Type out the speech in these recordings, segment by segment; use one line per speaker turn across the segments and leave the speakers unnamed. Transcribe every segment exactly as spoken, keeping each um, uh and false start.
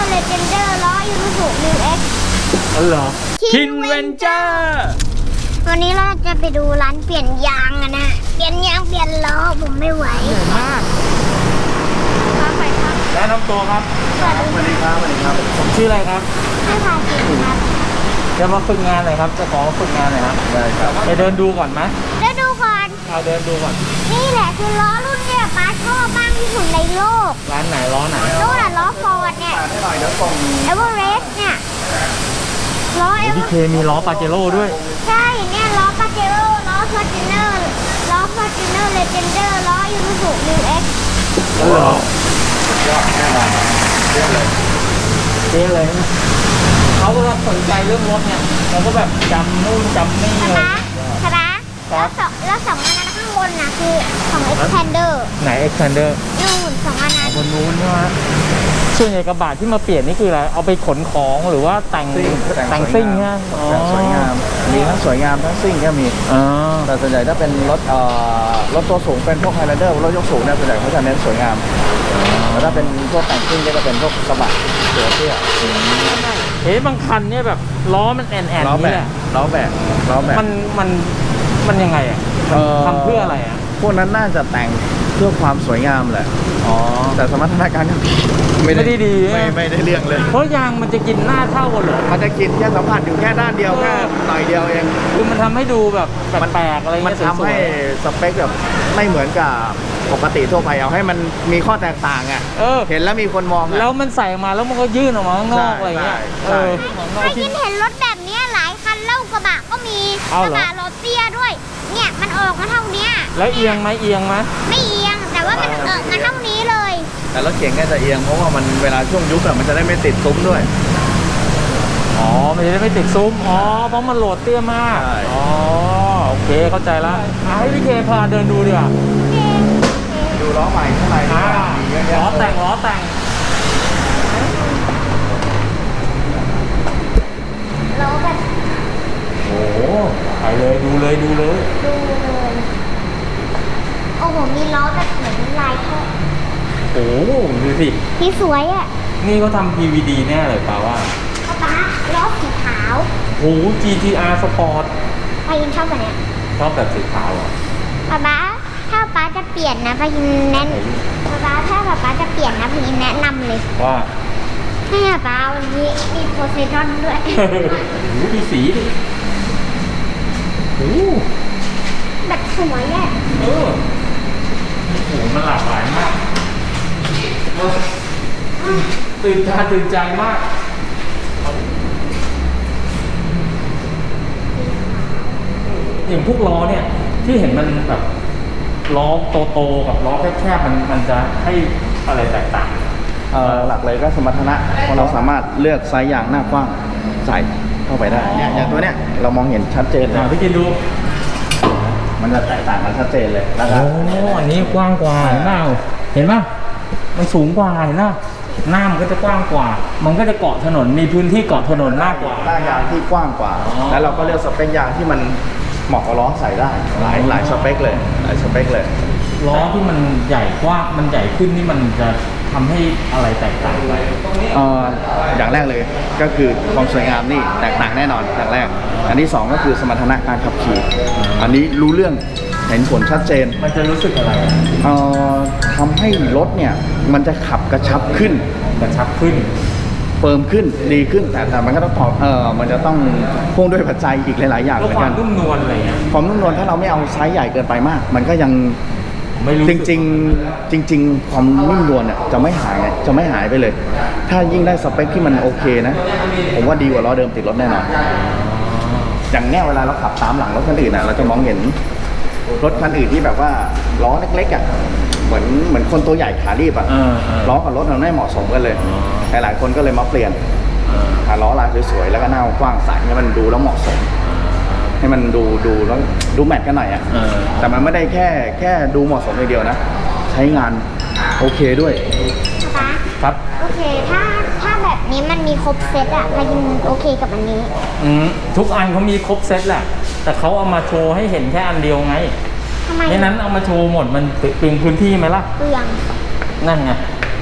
เลเจนเดอร์ล้อยูรูสุมิวเอ็กซ์
อ๋อเหรอคินเวนเจอร์
วันนี้เราจะไปดูร้านเปลี่ยนยางกันนะเปลี่ยนยางเปลี่ยนล้อผมไม่ไหว
ใหญ่มากแนะนำตัวครับ
สวัสดีครับ
สวัสดีครับ
ผมชื่ออะไรครับ
ให้พากินครับ
จะมาฝึกงานหน่อยครับจะขอมาฝึกงานหน่อยครับ
ได้ครับ
ไปเดินดูก่อนไหม
เดี๋ยวดูก่อน
เอาเดินดูก่อน
นี่แหละคือล้อรุ่นเนี่ยป้าชอบมากที่สุดในโลก
ร้านไหนล้อไหน
นู่นน่ะล้อฟอร์ดเนี่ย
ให้หน่อยเดี๋ยวส่ง
เอเวอเรสต์เนี่ยล้อเอเวอ
พี่เคมีล้อปาเจโร่ด้วย
ใช่เนี่ยล้อปาเจโร่ล้อฟอร์จูเนอร์ล้อฟอร์จูเนอร์เลเจนเดอร์ล้อยูรูสุมิวเอ็กซ์
อ๋อเหรอย
อดแน่นอนเรียบเลย
เจ๊เลยเขาก็สนใจเรื่องรถเนี่ยเราก็แบบจำนู่นจำนี่
ใช่
เล
ไหม
ย
ใช่ไหมแล้วสองแล้วสองอันนั้นข้างบนน่ะคือของ Expander
ไหน Expander
นู่นสองอันนั้น
บนนู้นใช่ไหมส่วนใหญ่กระบะที่มาเปลี่ยนนี่คืออะไรเอาไปขนของหรือว่าแต่งแต่งซิ่งใช่ไหม
แต่งสวยงามมีทั้งสวยงามทั้งซิ่งก็มี
อ๋อ
แต่ส่วนใหญ่ถ้าเป็นรถเอ่อรถตัวสูงเป็นพวกไฮแลนเดอร์รถยกสูงเนี่ยส่วนใหญ่เขาจะเน้นสวยงามแต่ถ้าเป็นพวกแต่งซิ่งก็จะเป็นพวกกระบะตัวเตี้ย
เฮ้ยบางคันเนี่ยแบบล้อมันแอนแอน
ล้อแบ
นี่
ก
แหละ
ล้อแบกล้อแบก
มันมันมันยังไงอ่ะ
เอ่อ
ทำเพื่ออะไรอ่ะ
พวกนั้นน่าจะแต่งเพื่อความสวยงามแหละ
อ๋อ
แต่สมรรถนะการขับขี่
ไม่ได้ดี
ไม่ไม่ได้เรื่องเลย
เพราะยางมันจะกินหน้าเท่ากันเหรอ
มันจะกินแค่สัมผัสอยู่แค่ด้านเดียวแค่หน่อยเดียวเอง
คือมันทำให้ดูแบบแปลกๆอะไร
มัน
เงี้ย
ทำ
สว
ให้
ย
สเปคแบบไม่เหมือนกับปกติทั่วไปเอาให้มันมีข้อแตกต่างอ่ะ
ๆเออ
เห็นแล้วมีคนมองอะ
แล้วมันใส่ออกมาแล้วมันก็ยื่นออกมาข้างนอก
ใช่
อะไรเงี้ย
ใช่
เออ
ถ้ายินเห็นรถแบบเนี้ยหลายคันเล่ากระบะก็มี
เอา
ก
เหรอ
ระบะรถเตี้ยด้วย เนี่ยมันออกมาเท่าเนี้ย
แล้วเอียงไหมเอียงไหม
ไม่เอียงแต่ว่ามันออกมาเท่านี้เลย
แต่รถเก่งก็จะเอียงเพราะว่ามันเวลาช่วงยุบอะมันจะได้ไม่ติดซุ้มด้วย
อ๋อมันจะได้ไม่ติดซุ้มอ๋อเพราะมันโหลดเตี้ยมาก
ใช่
อ๋อโอเคเข้าใจละอ่ะให้พี่เคพาเดินดูดีกว่า
ดูล้อใหม่ข้างใน
อ่า
มีเยอะแยะ
ล้อแต่งล้อแต่ง
ล้อแบบ
โอ้โหไปเลยดูเลยดูเลย
ดูเลยโอ้โหมีล้อแบบเหมือนลายท่อ
โอ้โหดูสิ
ที่สวยอ่ะ
นี่เขาทำ พี วี ดี แน่เลยป่าว่า
ป๊าป๊าล้อสีขาว
โอ้โห จี ที อาร์ Sport
พายินชอบแบบเนี้ย
ชอบแบบสีขาวเหรอ
ป๊าป๊าถ้าป๊าจะเปลี่ยนนะพายินแนะป๊าป๊าถ้าป๊าป๊าจะเปลี่ยนนะพายินแนะนำเลย
ว่า
ให้ป๊าป๊าวันนี้มีโพไซดอนด้วย
โอ้โหดูสีดิโอ้โห
แบบสวยอ่ะ
เออโอ้โหมันหลากหลายมากเออตื่นตาตื่นใจมาก อย่างพวกล้อเนี่ย ที่เห็นมันแบบล้อโตๆกับล้อแคบๆมันมันจะให้อะไรแตกต่าง
เอ่อหลักเลยก็สมรรถนะเพราะเราสามารถเลือกไซส์ยางหน้ากว้างใส่เข้าไปได้เนี่ยอย่างตัวเนี้ยเรามองเห็นชัดเจนเลย
อ่ะพี่กินดู
มันจะแตกต่างกันชัดเจนเลยนะค
โอ้
รับ
อันนี้กว้างกว่าเห็นเปล่าเห็นป่ะมันสูงกว่าเห็นป่ะหน้ามันก็จะกว้างกว่า มันก็จะเกาะถนนมีพื้นที่เกาะถนนมากกว่า
หน้ายางที่กว้างกว่า
อ๋อ
แล้วเราก็เลือกสเปคยางที่มันเหมาะกับล้อใส่ได้ หลายหลายสเปคเลย หลายสเปคเลย
ล้อที่มันใหญ่กว้างมันใหญ่ขึ้นนี่มันจะทำให้อะไรแตกต่างไป
เอ่ออย่างแรกเลยก็คือความสวยงามนี่แตกต่างแน่นอนอย่างแรก อันที่สองก็คือสมรรถนะการขับขี่ อันนี้รู้เรื่องเห็นผลชัดเจน
มันจะรู้สึกอะไรอ่ะ
เอ่อทำให้รถเนี่ยมันจะขับกระชับขึ้น
กระชับขึ้น
เฟิร์มขึ้นดีขึ้น แต่แต่มันก็ต้องตอบเออมันจะต้องพ่วงด้วยปัจจัยอีกหลาย ๆ อย่าง
ก็
เหมือ
คน วา
กั
ม
น
นุ่มนวลอะไรเงี้ย
ความนุ่มนวลถ้าเราไม่เอาไซส์ใหญ่เกินไปมาก มันก็ยัง
ไม่รู้
จริง ๆ จริง ๆ ความนุ่มนวลเนี่ยจะไม่หายจะไม่หายไปเลย ถ้ายิ่งได้สเปคที่มันโอเคนะ ผมว่าดีกว่าล้อเดิมติดรถแน่นอน อย่างเนี้ยเวลาเราขับตามหลังรถคันอื่นนะเราจะมองเห็นรถคันอื่นที่แบบว่าล้อเล็กๆอ่ะเหมือนเหมือนคนตัวใหญ่ขารีบอ่ะ
เออเออ
ล้อกับรถมันไม่เหมาะสมกันเลย
อ๋อ
หลายๆคนก็เลยมาเปลี่ยนหาล้อลายสวยๆแล้วก็หน้ากว้างใสให้มันดูแล้วเหมาะสม ให้มันดูดูแล้วดูแมทกันหน่อยอ่ะ
เออ
แต่มันไม่ได้แค่แค่ดูเหมาะสมอย่างเดียวนะ ใช้งานโอเคด้วย
ป๊า
ครับ
โอเคถ้าถ้าแบบนี้มันมีครบเซตอะพายินโอเคกับอันนี้
อืมทุกอันเขามีครบเซตแหละ แต่เขาเอามาโชว์ให้เห็นแค่อันเดียวไง
ทำไม
ไม่นั้นเอามาโชว์หมดมันเปลืองพื้นที่ไหมล่ะ
เปลือง
นั่นไง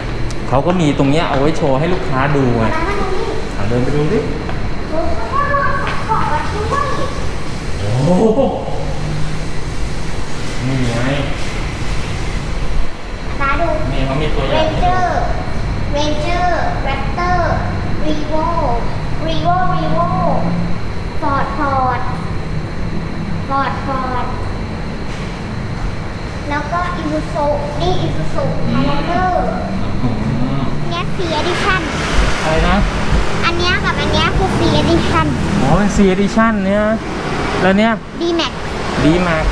เขาก็มีตรงเนี้ยเอาไว้โชว์ให้ลูกค้าดูไง
มามาดูนี่
อ่ะเดินไปดูดิ
โอ้โหเกาะมาด้วย
โอ้โหนี่ไง
มาดู
นี่เขามีตัวอ
เร
ย่าง
นเจอร์เรนเจอร์แรปเตอร์รีโวรีโวรีโวฟอร์ดฟอร์ดฟอร์ดฟอร์ดแล้วก็อิซูซุนี่อิซูซุไฮแลนเดอร์
อืม
เนี้ยฟรีเอดิชั่น
อะไรนะ
อันเนี้ยกับอันเนี้ยคือฟรีเอดิชั่น
อ๋อเป็น C Edition เนี่ยแล้วเนี่ย
ดีแม็ก
D Max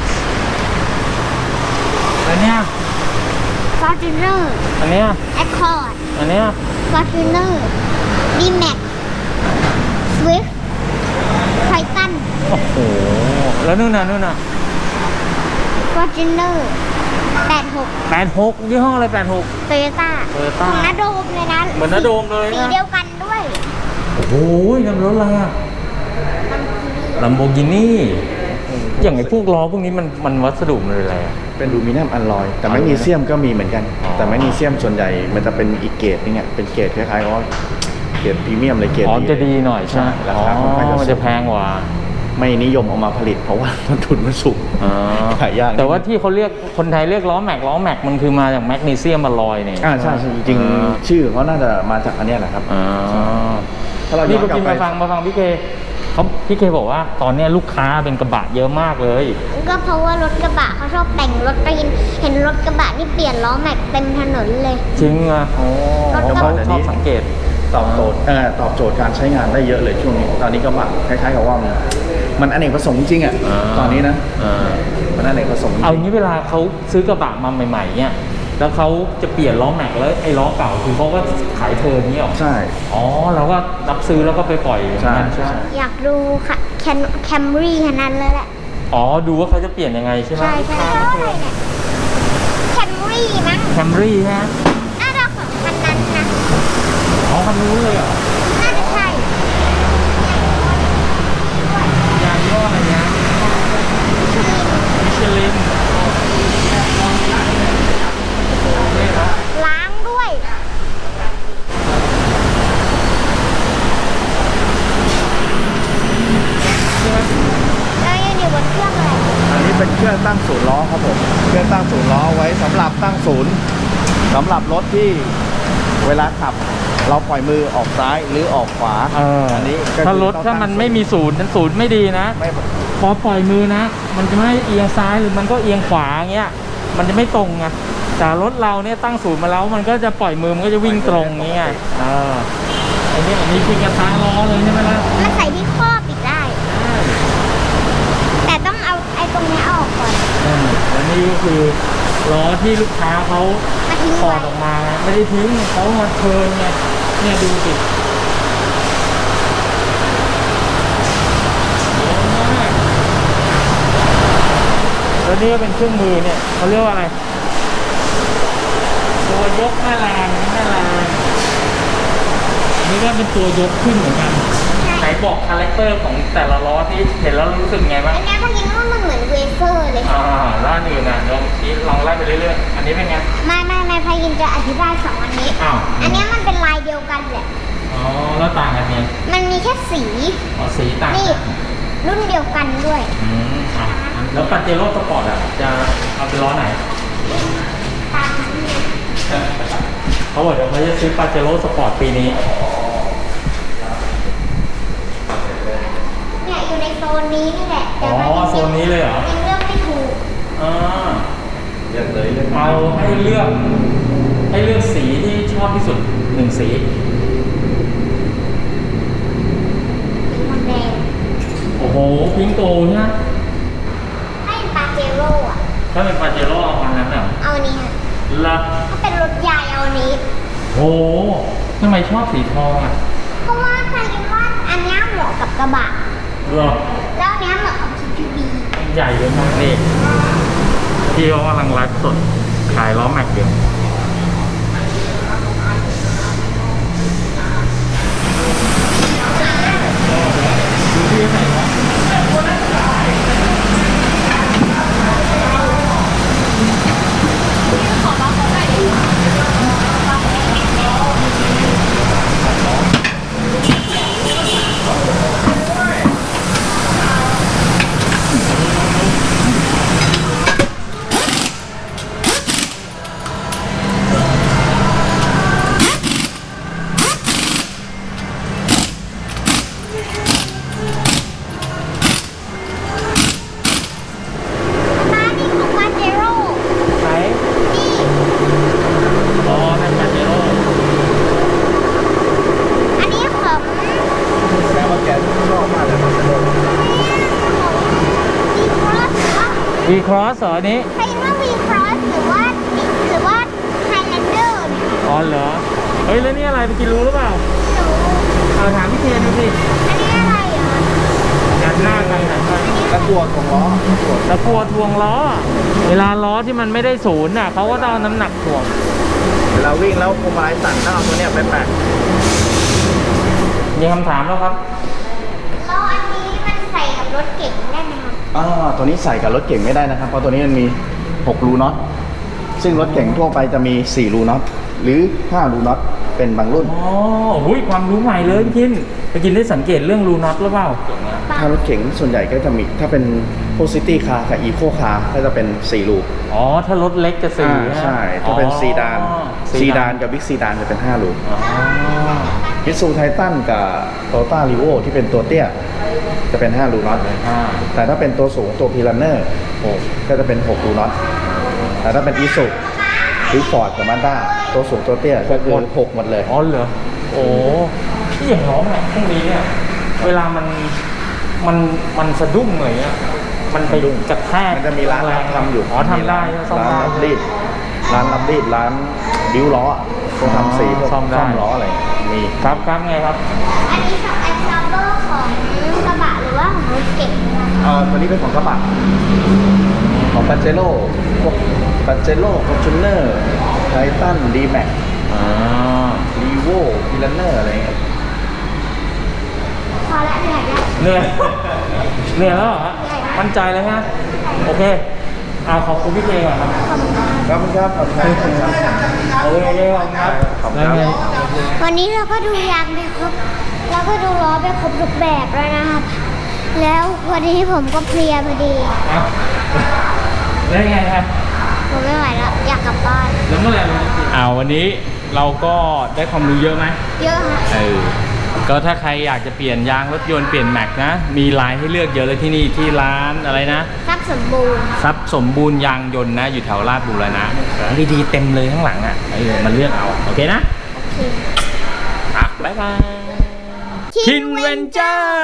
แล้วเนี่ย
ฟอร์จูเนอร์
อันเนี้ย
แอคคอร์ด
อันเนี้ย
ฟอร์จูเนอร์ดีแม็กสวิฟไททัน
โอ้โหแล้วนู่นน่ะนู่นน่ะ
ฟอร์จูเนอร์แปดหก
แปดหกยี่ห้ออะไรแปดหก
โตโยต้า
Toyota
ของนาโดมเลยนะ
เหมือนนาโดมเลยนะ
สีเดียวกันด้วย
โอ้โหนั่นรถอะไรอะลัมโบกินี่อย่างไอ้พวกล้อพวกนี้มันมันวัสดุมันอะไรอะ
เป็นอลูมิเนียมอลลอย แต่แมกนีเซียมก็มีเหมือนกัน
อ๋อ
แต่แมกนีเซียมส่วนใหญ่มันจะเป็นอีกเกรดนึงอ่ะเป็นเกรดคล้ายๆว่าเกรดพรีเมียมเลยเกรด
อ๋อจะดีหน่อยใช่ไหม
รา
อ๋อ
คาค่อนข้างจะ
มัน
สู
จะ
ง
แพงกว่า
ไม่นิยมเอามาผลิตเพราะว่า ต้นทุนมันสูง
อ๋อ
ขายยาก
แต่ว่าที่เขาเรียกคนไทยเรียกล้อแม็กล้อแม็กมันคือมาจากแมกนีเซียมอลลอยเนี่ย
อ่าใช่ใช่จริง
อ่า
ๆชื่อเขาน่าจะมาจากอันเนี้ยแหละครับ
อ๋อ
ถ้าเราย้
นี่
อน
เมื่อก
ลับ
กี้
ไป
มาฟังมาฟังพี่เคเขาพี่เคบอกว่าตอนเนี้ยลูกค้าเป็นกระบะเยอะมากเลย
ก็เพราะว่ารถกระบะเขาชอบแต่งรถไปเห็นรถกระบะนี่เปลี่ยนล้อแม็กเต็มถนนเลย
จริงอ่ะโอ้
รถกระบะ
เขาชอบสังเกต
ตอบโจทย์เออตอบโจทย์การใช้งานได้เยอะเลยช่วงนี้ ตอนนี้ก็มาคล้ายๆกับว่ามันมันอเนกประสงค์จริงอ่ะ
อ่า
ตอนนี้นะ
อ่า
มันอเนกประสงค์จริง
เอางี้เวลาเขาซื้อกระบะมาใหม่ๆเนี่ยแล้วเขาจะเปลี่ยนล้อแม็กแล้วไอ้ล้อเก่าคือเขาก็ขายเทิร์นนี้หรอ
ใช่
อ๋อเราก็รับซื้อแล้วก็ไปปล่อยอย่างนั้น
ใช่
ใช่ไหม
อยากดูค่ะแคนแคมรี่คันนั้นเลยแหละ
อ๋อดูว่าเขาจะเปลี่ยนยังไงใช่ไหม
ใช่ใช่อะไรเนี่ยแคมรี่มั้ง
แคมรี่ฮะ
น่าจะของคันนั้นนะ
อ๋อคันนู้นเลยเหรอ
น่าจะใช่
ยางยี่ห้ออะไรนะมิชลินนี่ครับ
ล้างด้วย แล้วยังอยู่บนเครื่องอะไร
อันนี้เป็นเครื่องตั้งศูนย์ล้อครับผม เครื่องตั้งศูนย์ล้อไว้สำหรับตั้งศูนย์สำหรับรถที่เวลาขับ เราปล่อยมือออกซ้ายหรือออกขวา
เออ
อันนี้ก็คือ
ถ้ารถ
ต้อง
ถ้ามันไม่มีศูนย์นั้นศูนย์ไม่ดีนะ
ไม่
พอปล่อยมือนะ มันจะไม่เอียงซ้ายหรือมันก็เอียงขวาเงี้ย มันจะไม่ตรงไงแต่รถเราเนี่ยตั้งศูนย์มาแล้ว มันก็จะปล่อยมือมันก็จะวิ่งตรงอย่างเงี้ยเออไอ้นี่มันมีพิงกระทางล้อเลยใช่ไหมล่ะ
มันใส่ที่ครอบอีกได้ แต่ต้องเอาไอ้ตรงนี้ออกก่อน
อืมแล้วนี่ก็คือล้อที่ลูกค้าเขา
มาทิ้ง
ถอ
ไว้
ดออกมาไงไม่ได้ทิ้งเขามาเทิร์นไงเนี่ยดูสิแล้วนี่ก็เป็นเครื่องมือเนี่ยเขาเรียกว่าอะไร ตัวยกแม่แรงแม่แรงอันนี่ก็เป็นตัวยกขึ้นเหมือนกันไหนบอกคาแรคเตอร์ของแต่ละล้อที่เห็นแล้วรู้สึกไงบ้าง
อันนี้ถ้ายิงว่ามันเหมือนเวเฟอร์เลย
อ่าล้านอื่นอ่ะลองชี้ลองไล่ไปเรื่อยๆอันนี้เป็นไง
ไม่ไม่ไม่พายินจะอธิบายสองอันนี้
อ้าว
อันนี้มันเป็นลายเดียวกันแหละ
อ๋อแล้วต่างกันไง
มันมีแค่สี
อ๋อสีต่าง
นี่
กัน
รุ่นเดียวกันด้วย
อืมอ่ะแล้วปาเจโร่สปอร์ตอ่ะจะเอาเป็นล้อไหน
ตามนี้
เขาบอกเดี๋ยวเขาจะซื้อปาเจโร่สปอร์ตปีนี้
เนี่ยอยู่ในโซนนี้นี่แหละ
อ๋อ
พายิ
โซนนี้เลยเหรอ
ยังเลือกไม่ถูก
อ่า
เลือกเลยเลือก
เอาให้เลือกให้เลือกสีที่ชอบที่สุดหนึ่งสี
สีมันแดง
โอ้โหพิงโกใช่ไหม
ให้ปาเจโร่อะ
ถ้าเป็นปาเจโร่เอาพันนั้นเหรอ
เอาอันนี้ค่ะ
ละ
ถ้าเป็นรถใหญ่เอาอันนี้
โอ้โหทำไมชอบสีทองอ่ะ
เพราะว่าพายินว่าอันเนี้ยเหมาะกับกระบะ
เหรอ
แล้วอันเนี้ยเหมาะกับ ที พี วี
ใหญ่เลยมากนี่ที่เขากำลังไลฟ์สดขายล้อแม็กอยู่ดูที่ไหนวะวีครอสเหรออันนี้
ใช่ว่าวีครอสหรือว่าหรือว่าไฮแลนเดอร์เนี่ย
อ๋อเหรอ เฮ้ย แล้วนี่อะไรไปกินรู้หรือเปล่า
หนู
เอาถามพี่เคนดูสิ
อันนี้อะไรเหรอ
กันหน้ากันหันไป
ตะกั่วของล้อตะกั่ว
ตะกัวทวงล้อ เวลาล้อที่มันไม่ได้ศูนย์น่ะเขาก็ต้องเอาน้ำหนักถ่วง
เวลาวิ่งแล้วพวงมาลัยสั่นต้องเอาตัวเนี้ยไปแปะ
มีคำถามแล้วครับ
แล้วอันนี้มันใส่กับรถเก๋งได้ไหมครับ
อ่าตัวนี้ใส่กับรถเก่งไม่ได้นะครับ เพราะตัวนี้มันมีหกรูน็อตซึ่งรถเก่งทั่วไปจะมีสี่รูน็อตหรือห้ารูน็อตเป็นบางรุ่น
อ๋อหุ้ยความรู้ใหม่เลยพี่กินไปกินได้สังเกตเรื่องรูน็อตหรือเปล่า
ถ้ารถเก๋งส่วนใหญ่ก็จะมีถ้าเป็นพวกซิตี้คาร์กับอีโคคาร์ก็จะเป็นสี่รู
อ๋อ ถ้ารถเล็กจะสี่
อ่า
นะ
ใช่ ถ้าเป็น
อ๋อ
ซีดานซีดานกับบิ๊กซีดานจะเป็นห้ารู
อ๋อ
มิตซูไททันกับโตต้ารีโวที่เป็นตัวเตี้ยจะเป็นห้ารูน็อต
อ่า
แต่ถ้าเป็นตัวสูงตัวพีรันเนอร์ก็จะเป็นหกรูน็อตแต่ถ้าเป็นอีซูหรือฟอร์ดกับมาด้าตัวสูงตัวเตี้ยก็คือหกหมดเลย
อ๋อเหรอ โอ้ที่อย่างน้องเนี่ยพวกนี้เนี่ย เวลามัน มัน มันสะดุ้งอะไรเงี้ย มันไปกระแทก
มันจะมีร้านรับทำอยู่
อ๋อทำได้ใช่ไหมซ่อม
ร้าน
ได้
รับรีดร้านรับรีดร้านบิวล้อพวกทำสีพวก
ซ่อมได้
ซ่อมล้ออะไรมี
ครับครับไงครับ
อันนี้ช็อปแอนด์ซัมเบอร์ของกระบะหรือว่าของรถเก๋งนะครับ
เอ่อตัวนี้เป็นของกระบะของปัจเจโร่พวกปัจเจโร่ฟอร์จูเนอร์ไททันดีแม็ก
อ่า
รีโวพีรันเนอร์อะไรเงี้ย
พอละเหนื่อยแล้ว
เหนื่อย เหนื่อยแล้วเหรอฮะมั่นใจเลยฮะ โอเคเอาขอบคุณพี่เจก่อนครับ
ขอบคุณครับ
ครับขอบคุณครับ
โอเคขอบคุณครับ
ขอบคุณ
แล้ว
ครับ
ไง
วันนี้เราก็ดูยางไปครบเราก็ดูล้อไปครบทุกแบบแล้วนะครับ แล้ววันนี้ผมก็เพลียพอดี
เอาแล้วไงครับ
ผมไม่ไหวแล้วอยากกลับบ้าน
แล้วเมื่อไหร่เราจะกินอ่าวันนี้เราก็ได้ความรู้เยอะไหม
เยอะฮะ
เออ ก็ถ้าใครอยากจะเปลี่ยนยางรถยนต์เปลี่ยนแม็กนะ มีลายให้เลือกเยอะเลยที่นี่ที่ร้านอะไรนะ
ทรัพย์สมบูรณ์
ทรัพย์สมบูรณ์ยางยนต์นะ อยู่แถวลาดบูรณะของดีๆเต็มเลยข้างหลังอ่ะเออมันเลือกเอา โอเคนะ
โอเค
อ่ะบ๊ายบายคินเวนเจอร์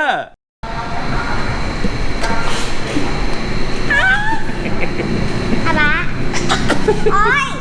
อะไรโอ๊ย